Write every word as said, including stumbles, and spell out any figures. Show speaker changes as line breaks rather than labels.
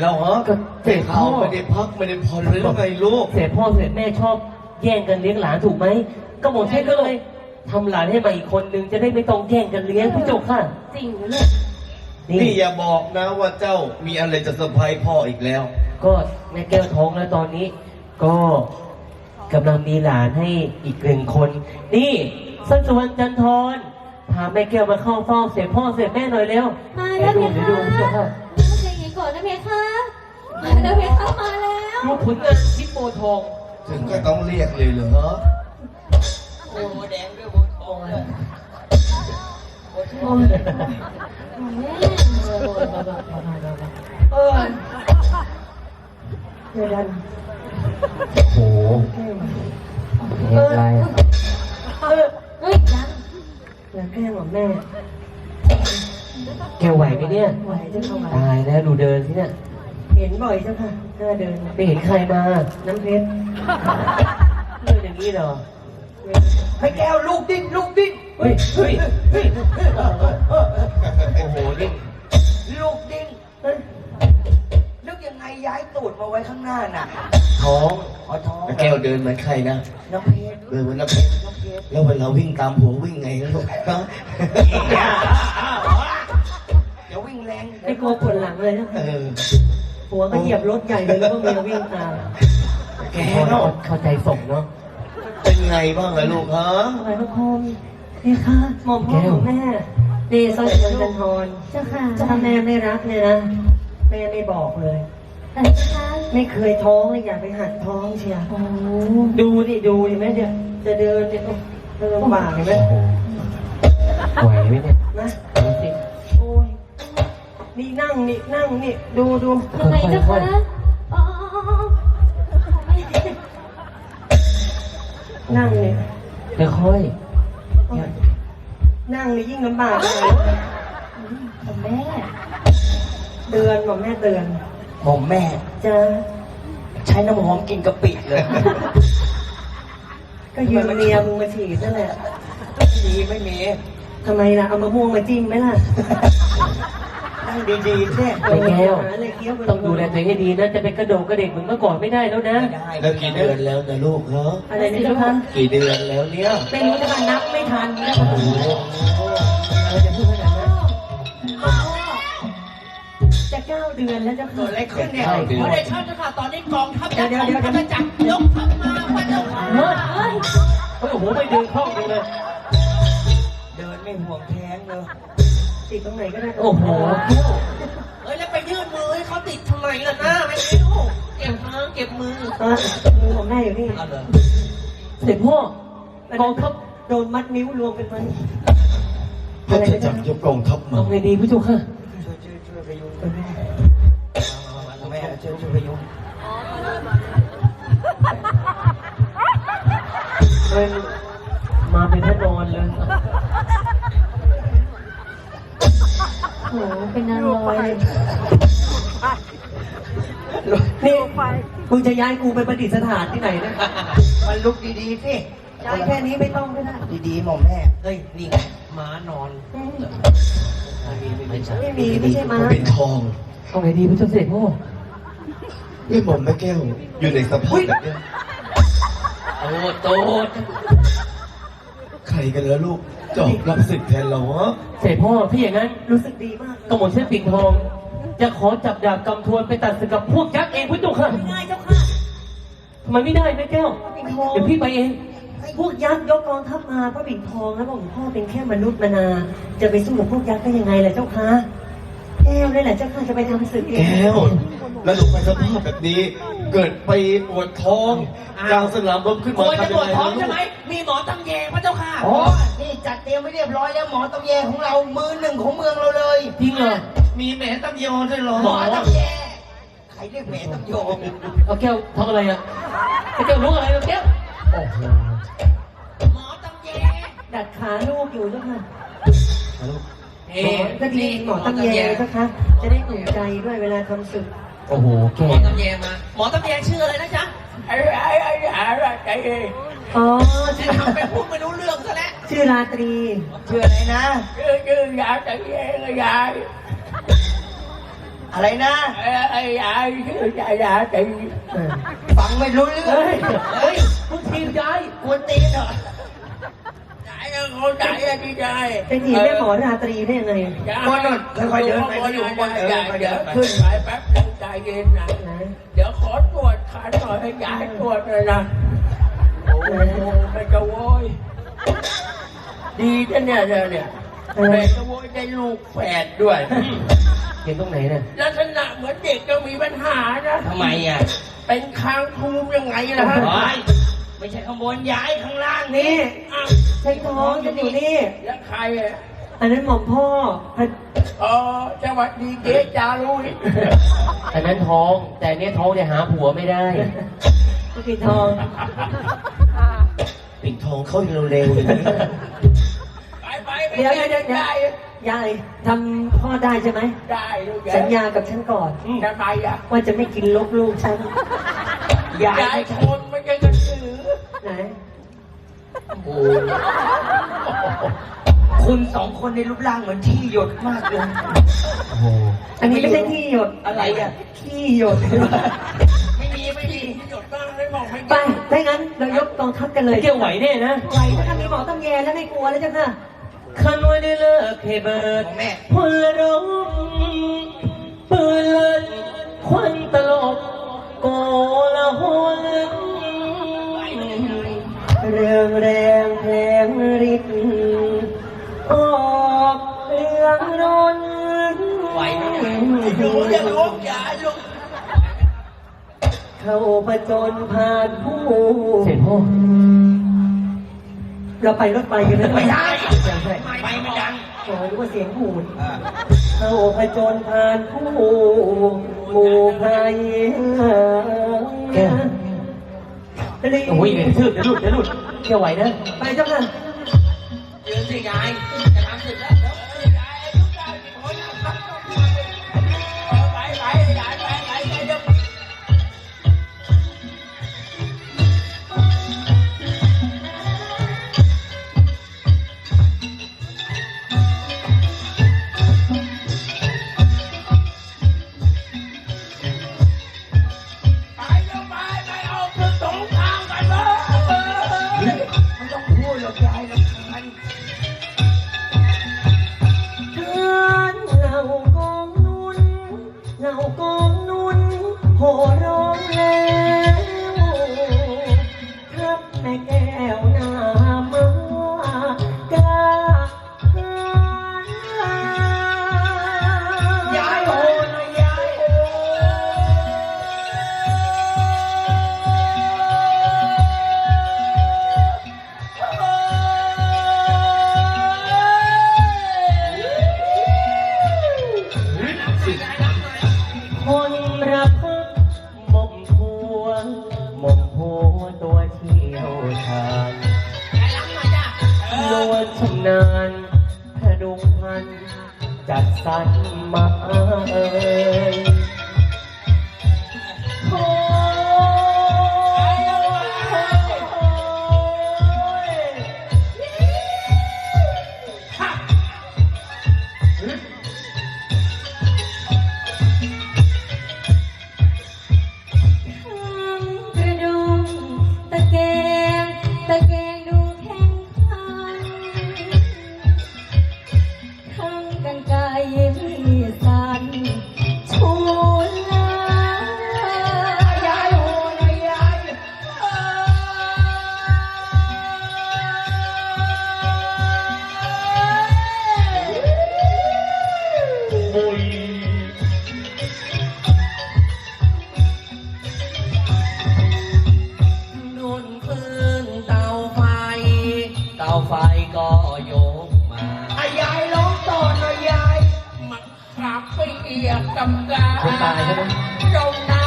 แล้วฮะก็เจ๊เขาไม่ได้พักไม่ได้ผ่อนเลยไงลูก
เสียพ่อเสียแม่ชอบแย่งกันเลี้ยงหลานถูกไหมก็หมดแค่ก็เลยทำหลานให้มาอีกคนนึงจะได้ไม่ต้องแย่งกันเลี้ยงพี่โจค่ะ
จริงเลย
นี่อย่าบอกนะว่าเจ้ามีอะไรจะเซอร์ไพรส์พ่ออีกแล้ว
ก็แม่แก้วท้องแล้วตอนนี้ก็กำลังมีหลานให้อีกหนึ่งคนนี่สันสุวรรณจันทรพาแม่แก้วมาเข้าเฝ้าเสียพ่อเสียแม่หน่อยเร็ว
มาแล้วเพคะ
ดูพี่โจค่ะ
ใจเย็นก่อนนะเพคะมาแล้วเพคะมาแล้ว
ดูผลงานชิปโปทอง
ถึงก็ต้องเรียกเลยเหรอโอ้แดงด้วยโบทองเลย
โอ้ยแม่
เออเดี๋ยวดันโอ้โหเฮ้ยอะไรเออ
เฮ้ยยัง
แล้วแก้วแม่แกไหวไหมเนี่ยไหวเจ้าค่ะตายแล้วดูเดินสิเนี่ยเห็นบ่อยเจ้าค่ะหน้าเดินไปเห็นใครมาน้ำเพชรเดินอย่างนี้เหรอให้แก้วลูกดิ้นลูกดิ้นเฮ้ยเฮ้ยเฮ้ยโอ้โหดิ้น
ลูกดิ้นนึกยังไงย้ายตูดมาไว้ข้างหน้าน่ะ
ท้อง
อ๋อท้อง
แก้วเดินเหมือนใครนะ
น้ำเพชร
เดินเหมือนน้ำเพชรแล้วเวลาวิ่งตามผัววิ่งไงลูกฮะ
เดี๋ยววิ่งแรง
ไม่กลัวปวดหลังเลยนะหัวก็เหยียบรถใหญ่เลยแล้วก็เมียวิ่งตามแกเนาะเข้าใจส่งเนาะ
เป็นไงบ้างล่ะลูกฮะ
อะไรพระพรหมนี่ค่ะหม่อมพ่อของแม่เดชสันสุวรรณจันทร
เจ้าค่ะ
ถ้าแม่ไม่รักเนี่ยนะแม่ไม่บอกเลย
แต่ค่ะ
ไม่เคยท้องเลยอยากไปหัดท้องเชียวดูดิดูดิแม่เดี๋ยวจะเดินเนี่ยเดินลำบากเห็นไหมไหวไหมเนี่ยนะโอ้ยนี่นั่งนี่นั่งนี่ดูดู
ยังไงเจ้าค่ะอ๋อ
นั่งนี่ค่อยนั่งนี่ยิ่งลำบากเลย
ผมแม่
เตือนบอกแม่เตือน
หอมแม่
จะ
ใช้น้ำหอมกินกะปิเลย
ก็ยืมเมียมึงมาฉีดนั่นแหละ
มีไม่มี
ทำไมล่ะเอามะม่วงมาจิ้มไหมล่ะ
นั่งดีๆแท้
ไปแก้วต้องดูแลตัวเองให้ดีนะจะเป็นกระโดดกระเด็กเหมือนเมื่อก่อนไม่ได้แล้วนะ
แล้วกี่เดือนแล้วนะลูกเหรอ
อะไรนี่เจ้าคะ
กี่เดือนแล้วเนี่ย
ไม่รู้จะมานับไม่ทันนะโอ้โหเราจะพูดขนาดนั้นจะเก้าเดือนแล้วจะเกิดอะไรขึ้นเนี่ย
พอได้ชัดแล้วค่ะตอนนี้กองทัพยักษ์กองทัพจักรยกทัพมาพระเจ้าค่ะ
เฮ้ยโอ้โหไม่เดินคล่องเลย
เดินไม่ห่วงแท้งเลย
ติดตรงไหนก็ได้โอ้โห
เฮ้ยแล้วไปยื่นมือให้เขาติดทำไมล่ะหน้าไม่รู้เก็บมือเก็บมือ
มือของแม่อยู่นี่เสร็จพ่อกองทัพโดนมัดนิ้วรวมเป็นมัน
พระเจ้าจักรยกกองทัพมา
เอาไงดีผู้ชมค่ะ
ช่วยช่วยช่วยพยุงแม่ช่วยช่วยพยุง
มันมาเป็นพระนอนเลย
โหเป็นนางลอย
นี่มึงจะย้ายกูไปประดิษฐานที่ไหนนะ
มันลุกดีๆสิ
ย้ายแค่นี้ไม่ต้องก็ได้
ดีๆหม่อมแม่เฮ้ยนี่ไงม้านอน
ไม่ใช่ไม่มีไม่ใช่ม้า
เป็นทอง
เอาไงดีผู้ชมเสด็จพ่อ
นี่หม่อมแม่แก้วอยู่ในสภาพแบบนี้
โตโต
ใครกันแล้วลูกจอบรับศึกแทนเราฮะ
เสด็จพ่อพี่อย่างนั้นรู้สึกดีมากกระหม่อมเช่นปิ่นทองจะขอจับดาบกำทวนไปตัดศึกกับพวกยักษ์เองพุทธค่ะ
ไม่ได้เจ้าค่ะ
ทำไมไม่ได้แม่แก้วเดี๋ยวพี่ไปเองพวกยักษ์ยกกองทัพมาพระปิ่นทองแล้วบอกพ่อเป็นแค่มนุษย์มนาจะไปสู้กับพวกยักษ์ได้ยังไงล่ะเจ้าค่ะแก้วนี่แหละเจ้าค่ะจะไปทำศึกเอง
แก้วแล้วลูกไปสภาพแบบนี้เกิดไปปวดท้องกลางสนามรบขึ้นมา
ทำยังไงปวดท้องใช่ไหมมีหมอตำแยพระเจ้าค่ะอ๋อนี่จัดเตรียมไว้เรียบร้อยแล้วหมอตำแยของเรามือหนึ่งของเมืองเราเลย
จริงเหรอ
มีแหมตำแยด้วยเหรอหมอตำแยใครเรียกแหมตำแย
เอาแก้วทำอะไรอ่ะแก้วรู้อะไรแก้วโอ้โห
หมอตำแย
ดัดขาลูกอยู่ด้วยค่ะหมอก็ดีหมอตำแยเจ้าค่ะจะได้อุ่นใจด้วยเวลาทำศึกโอ้โหแก้ว
หมอตำแยมาหมอตำแยชื่ออะไรนะจ๊ะไอ้ไอ้ไอ้ไอ้ไอ้
อ๋อ
จะทำเป็นพูดไม่รู้เรื่องซะแล้ว
ชื่อราตรี
ชื่ออะไรนะชื่อชื่อยาตะเยงยายอะไรนะ
ไอ้ไอ้ยายชื่อยายยายตี
ฟังไม่รู้เรื่อง
เฮ้ยเฮ้ยมึงทีมยาย
กวนตีนเหรอ
ยายยังเขาใจอะที่ยาย
เป็นหญิงแม่หมอราตรีได้ยังไง
บนนค่อยๆเดินไปก็อยู่ข้างบนเออค่อยๆเดิ
เดี๋ยวน
ไป
ขึ้นไปแป๊บนึงใจเย็นนะ
นะ
เดี๋ยวขอตรวจขาหน่อยให้ยายตรวจเลยนะโอ้ไม่จะโวยดีจังเนี่ยเนี่ยเนี่ยแต่จะโวยได้ลูกแฝดด้วย
เห็นตรงไหนเนี่ย
ลักษณะเหมือนเด็กก็มีปัญหานะ
ทำไมอ่ะ
เป็นคางทูมยังไงล่ะฮะ
โอ๊ยไม่ใช่ข้างบนย้ายข้างล่างนี่
นี่
อ้าว
ใช้ท้องจะอยู่นี่
แล้วใครอ่ะ
อันนั้นหม่อมพ่อพระ
อ๋อสวัสดีเจ๊จารุย
อันนั้นท้อง แต่เนี้ยท้องจะหาผัวไม่ได้ก็คือทอง
ปิดทองเข้าเร็วๆอย่างนี้
ไปไปไป
เดี๋ยวเดี๋ยวเดี๋ยว
ได้
ยายทำพ่อได้ใช่ไหม
ได้ลูก
สัญญากับฉันก่อน
ทำไมอ่ะ
ว่าจะไม่กินลกลูกฉัน
ยายคนไม่ใช่กระสือ
ไหน
โอ้คุณสองคนในรูปร่างเหมือนที่หยดมากเลย
อันนี้ไม่ใช่ที่หยด
อะไรอ่ะ
ขี้หยด
ไม่มีไม่มีที่หยดบ้างไม่บอกไม่
ไปถ้างั้นเรายกกองทัพกันเลย
เกี่ยวไหวแน่นะ
ไหวถ้ามีหมอตำแยแล้วไม่กลัวแล้วจ้ะค่ะ
คันไว้ได้เลิกให้เบิด
ของแม่
พลรมปืนเลินควันตลบโกละหน
เรื่องแรงแรงฤทธิ์ออกเรื่องนน
ไหวไหมเนี่ย
รู้จะรู้อย่าลุก
เข้าประจนผ่านผู้
เสร็จพ่อ
เราไปรถไฟกันเลย
ไม่ได้
ใช่ใช่
ไปไม่ดัง
โอ้ยว่าเสียงหูด
อ่า
เข้าผจญผ่านผู้หมู่ภัย
แก้ว
รีบ
โอ้ยเนี่ยชืดจะหลุดจะหลุดเกี่ยวไหวนะ
ไปเจ้าค่ะ
ยืนสิยายจะทำเสร็จแล้วยายอายุยายกี่คนนะครับไปไปยายไปไปไปเดี๋ยว
ไปเดี๋ยวไปไปเอาคือสงครามกันเลย
ไม่ต้องพูดหรอกยายรำคาญ
เชิญเหล่ากองนุนเหล่ากองนุนโห่ร้องแล้วทับแม่แก้วหน้ามากาหาย
ายโอ้นะยายโอ้
คนรักหม่อมผัวหม่อมผัวตัวเที่ยวชาญนวลชำนาญพดุงพัน จัดสรรมาเอ่ยโอ้กระดุมตะแกงตะแกงดูแข็งขันทั้งกันไกลมีสันชูลายายโหนยาย
โอ้ย
นุ่นพื้นเตาไฟ เตาไฟก็ยกมา
อ่ะยายร้องต่อหน่อยยาย
มันขับไปเอียบกับกา
คนตายใช่ไหม
เจ้านา